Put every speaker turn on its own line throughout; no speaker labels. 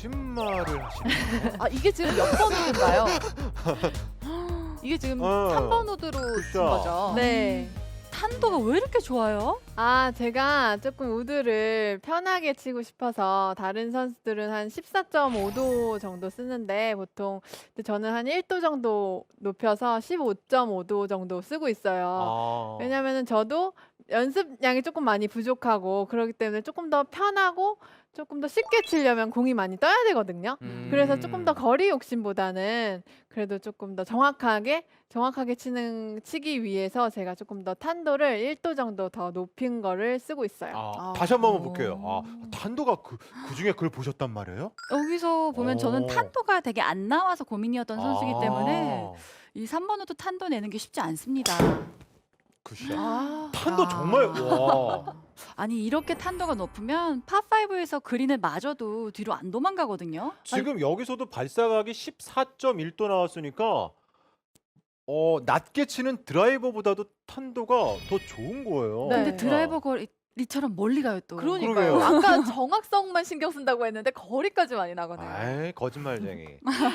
거짓말을 하시네요.
아 이게 지금 몇 번 우드인가요? 이게 지금
어.
3번 우드로 친
그쵸.
거죠.
네.
탄도가 왜 이렇게 좋아요?
아, 제가 조금 우드를 편하게 치고 싶어서 다른 선수들은 한 14.5도 정도 쓰는데 보통 근데 저는 한 1도 정도 높여서 15.5도 정도 쓰고 있어요.
아.
왜냐면은 저도 연습량이 조금 많이 부족하고 그렇기 때문에 조금 더 편하고 조금 더 쉽게 치려면 공이 많이 떠야 되거든요. 그래서 조금 더 거리 욕심보다는 그래도 조금 더 정확하게 치기 위해서 제가 조금 더 탄도를 1도 정도 더 높인 거를 쓰고 있어요.
아, 다시 한번 볼게요. 아, 탄도가 그 중에 그걸 보셨단 말이에요?
여기서 보면 저는
오.
탄도가 되게 안 나와서 고민이었던 선수이기 때문에
아,
이 3번 우드 탄도 내는 게 쉽지 않습니다.
굿샷.
아,
탄도 정말 와.
아니 이렇게 탄도가 높으면 파5에서 그린을 맞아도 뒤로 안 도망가거든요.
지금 여기서도 발사각이 14.1도 나왔으니까 낮게 치는 드라이버보다도 탄도가 더 좋은 거예요.
네.
근데 드라이버 거리처럼 멀리 가요 또.
그러니까요.
그러게요.
아까 정확성만 신경 쓴다고 했는데 거리까지 많이 나가네요.
아이, 거짓말쟁이.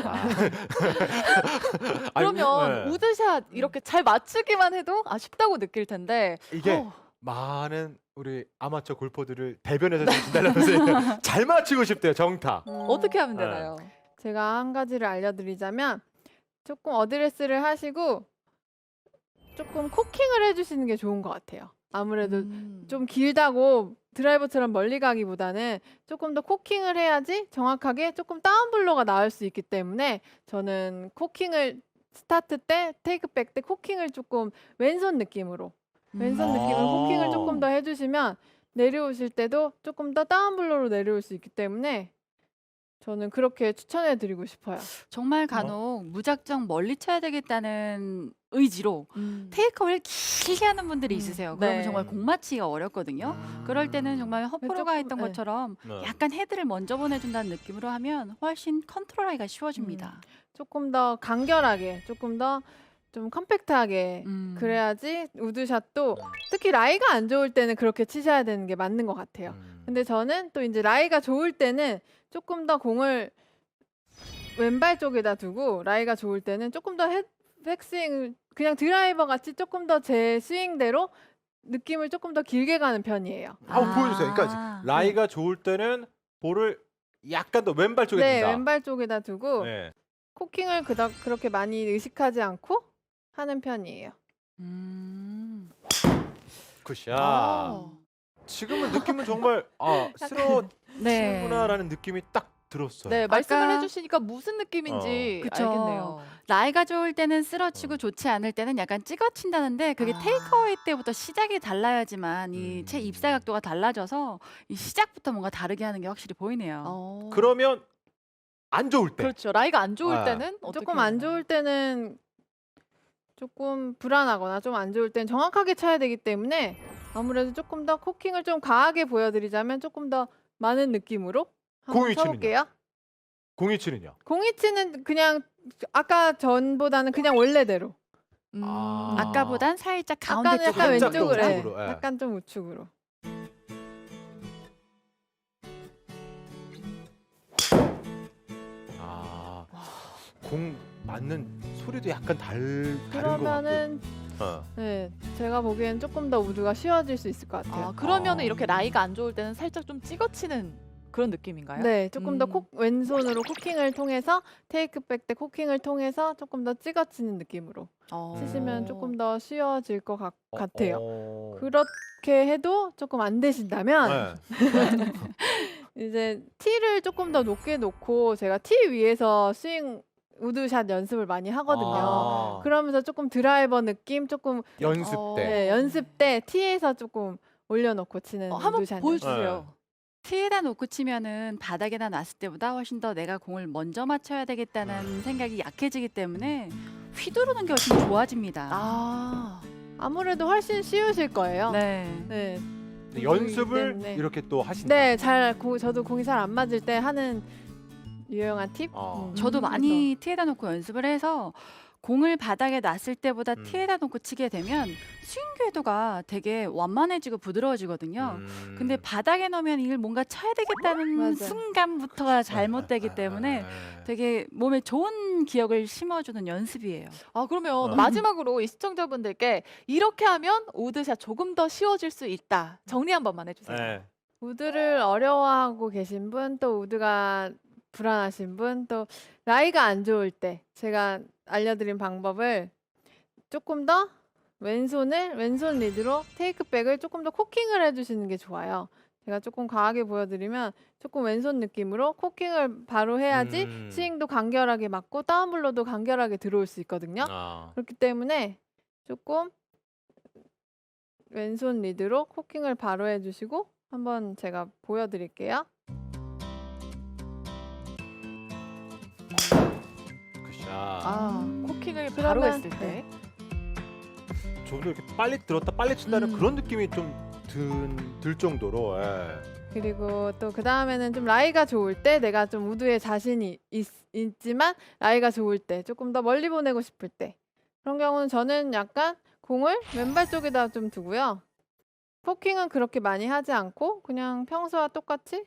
그러면
네.
우드샷 이렇게 잘 맞추기만 해도 아쉽다고 느낄 텐데
이게
어,
많은 우리 아마추어 골퍼들을 대변해서 준다면서 잘 맞추고 싶대요, 정타.
어떻게 하면
네.
되나요?
제가 한 가지를 알려드리자면 조금 어드레스를 하시고 조금 코킹을 해주시는 게 좋은 것 같아요. 아무래도 좀 길다고 드라이버처럼 멀리 가기보다는 조금 더 코킹을 해야지 정확하게 조금 다운블로가 나올 수 있기 때문에 저는 코킹을 스타트 때 테이크백 때 코킹을 조금 왼손 느낌으로 코킹을 조금 더 해주시면 내려오실 때도 조금 더 다운블로로 내려올 수 있기 때문에 저는 그렇게 추천해 드리고 싶어요.
정말 간혹 무작정 멀리 쳐야 되겠다는 의지로 테이크어를 길게 하는 분들이 있으세요. 그러면
네.
정말 공 맞히기가 어렵거든요. 그럴 때는 정말 허프로가
조금,
했던
네.
것처럼
네.
약간 헤드를 먼저 보내준다는 느낌으로 하면 훨씬 컨트롤하기가 쉬워집니다.
조금 더 간결하게, 조금 더 좀 컴팩트하게 그래야지 우드샷도 특히 라이가 안 좋을 때는 그렇게 치셔야 되는 게 맞는 것 같아요. 근데 저는 또 이제 라이가 좋을 때는 조금 더 공을 왼발 쪽에다 두고 라이가 좋을 때는 조금 더 백스윙을 그냥 드라이버 같이 조금 더 제 스윙대로 느낌을 조금 더 길게 가는 편이에요.
한번 보여주세요. 그러니까 라이가 좋을 때는 볼을 약간 더 왼발 쪽에
네,
둔다.
왼발 쪽에다 두고
네.
코킹을 그닥 그렇게 많이 의식하지 않고 하는 편이에요.
굿샷.
아.
지금은 느낌은 정말 쓰러지는구나라는 느낌이 딱 들었어요.
네, 말씀을
아까-
해주시니까 무슨 느낌인지
그쵸.
알겠네요.
라이가 좋을 때는 쓰러치고 좋지 않을 때는 약간 찍어친다는데 그게
아.
테이크어웨이 때부터 시작이 달라야지만 이 채
음.
입사 각도가 달라져서 이 시작부터 뭔가 다르게 하는 게 확실히 보이네요.
어.
그러면 안 좋을 때.
그렇죠. 라이가 안 좋을
아.
때는 어떻게
조금 안
되나요?
좋을 때는 조금 불안하거나 좀 안 좋을 때는 정확하게 쳐야 되기 때문에 아무래도 조금 더 코킹을 좀 과하게 보여드리자면 조금 더 많은 느낌으로 한번
공이 치는요?
쳐볼게요.
공이치는요?
공이치는 그냥 아까 전보다는 그냥 원래대로.
아.
아까보단 살짝 가운데
아까는
쪽으로
약간
살짝 더
왼쪽으로,
우측으로, 예.
약간 좀 우측으로.
공 맞는 소리도 약간 다른 거
그러면은
같고.
네, 제가 보기엔 조금 더 우드가 쉬워질 수 있을 것 같아요.
아, 그러면은
아.
이렇게 라이가 안 좋을 때는 살짝 좀 찍어치는 그런 느낌인가요?
네, 조금 더
음.
왼손으로 코킹을 통해서 테이크백 때 코킹을 통해서 조금 더 찍어치는 느낌으로
어.
치시면 조금 더 쉬워질 것 같아요.
어.
그렇게 해도 조금 안 되신다면
네.
이제 티를 조금 더 높게 놓고 제가 티 위에서 스윙 우드샷 연습을 많이 하거든요.
아.
그러면서 조금 드라이버 느낌 조금
연습 때.
네, 연습 때 티에서 조금 올려놓고 치는
한번
우드샷
보여주세요.
티에다 놓고 치면은 바닥에다 놨을 때보다 훨씬 더 내가 공을 먼저 맞춰야 되겠다는 생각이 약해지기 때문에 휘두르는 게 훨씬 좋아집니다.
아,
아무래도 훨씬 쉬우실 거예요.
네.
네,
근데 연습을
때문에.
이렇게 또 하신다.
네, 저도 공이 잘 안 맞을 때 하는 유용한 팁.
아.
저도
그래서.
많이 티에다 놓고 연습을 해서 공을 바닥에 놨을 때보다
음.
티에다 놓고 치게 되면 스윙 궤도가 되게 완만해지고 부드러워지거든요. 근데 바닥에 놓으면 이걸 뭔가 쳐야 되겠다는
맞아요.
순간부터가 잘못되기 때문에 되게 몸에 좋은 기억을 심어주는 연습이에요.
아 그러면
어.
마지막으로 이 시청자분들께 이렇게 하면 우드샷 조금 더 쉬워질 수 있다. 정리 한 번만 해주세요.
네.
우드를 어려워하고 계신 분, 또 우드가 불안하신 분, 또 라이가 안 좋을 때 제가 알려드린 방법을 조금 더 왼손 리드로 테이크백을 조금 더 코킹을 해주시는 게 좋아요. 제가 조금 과하게 보여드리면 조금 왼손 느낌으로 코킹을 바로 해야지 스윙도 간결하게 맞고 다운블로도 간결하게 들어올 수 있거든요.
아.
그렇기 때문에 조금 왼손 리드로 코킹을 바로 해주시고 한번 제가 보여드릴게요.
굿샷.
코킹을 바로
그러면-
했을 때.
좀 더 이렇게 빨리 들었다 빨리 친다는
음.
그런 느낌이 좀 들 정도로. 예.
그리고 또 그 다음에는 좀 라이가 좋을 때 내가 좀 우드에 자신이 있지만 라이가 좋을 때 조금 더 멀리 보내고 싶을 때 그런 경우는 저는 약간 공을 왼발 쪽에다 좀 두고요. 포킹은 그렇게 많이 하지 않고 그냥 평소와 똑같이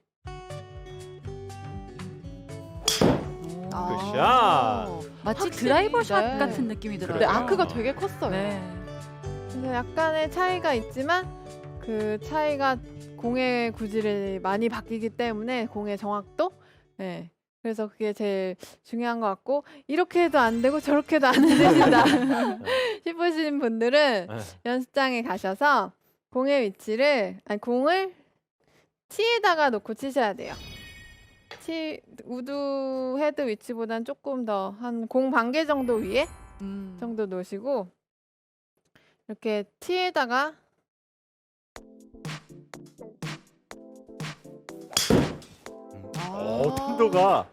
마치
확실히,
드라이버 샷
네.
같은 느낌이 들어요.
네,
그래요.
아크가 되게 컸어요.
네.
그래서 약간의 차이가 있지만 그 차이가 공의 구질이 많이 바뀌기 때문에 공의 정확도 네. 그래서 그게 제일 중요한 것 같고 이렇게 해도 안 되고 저렇게 해도 안 되신다 싶으신 분들은
예.
연습장에 가셔서 공의 위치를 공을 티에다가 놓고 치셔야 돼요. 우드 헤드 위치보다는 조금 더 한 공 반 개 정도 위에 정도 놓으시고 이렇게 티에다가
편도가.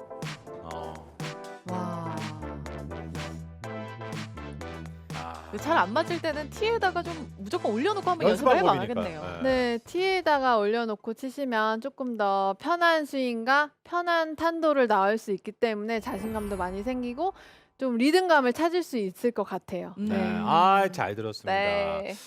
와.
아.
잘 안 맞을 때는 티에다가 좀 무조건 올려놓고 한번
연습
연습을
방법이니까.
해봐야겠네요.
예.
네, 티에다가 올려놓고 치시면 조금 더 편한 스윙과 편한 탄도를 나올 수 있기 때문에 자신감도 많이 생기고 좀 리듬감을 찾을 수 있을 것 같아요.
네. 아, 잘 들었습니다.
네.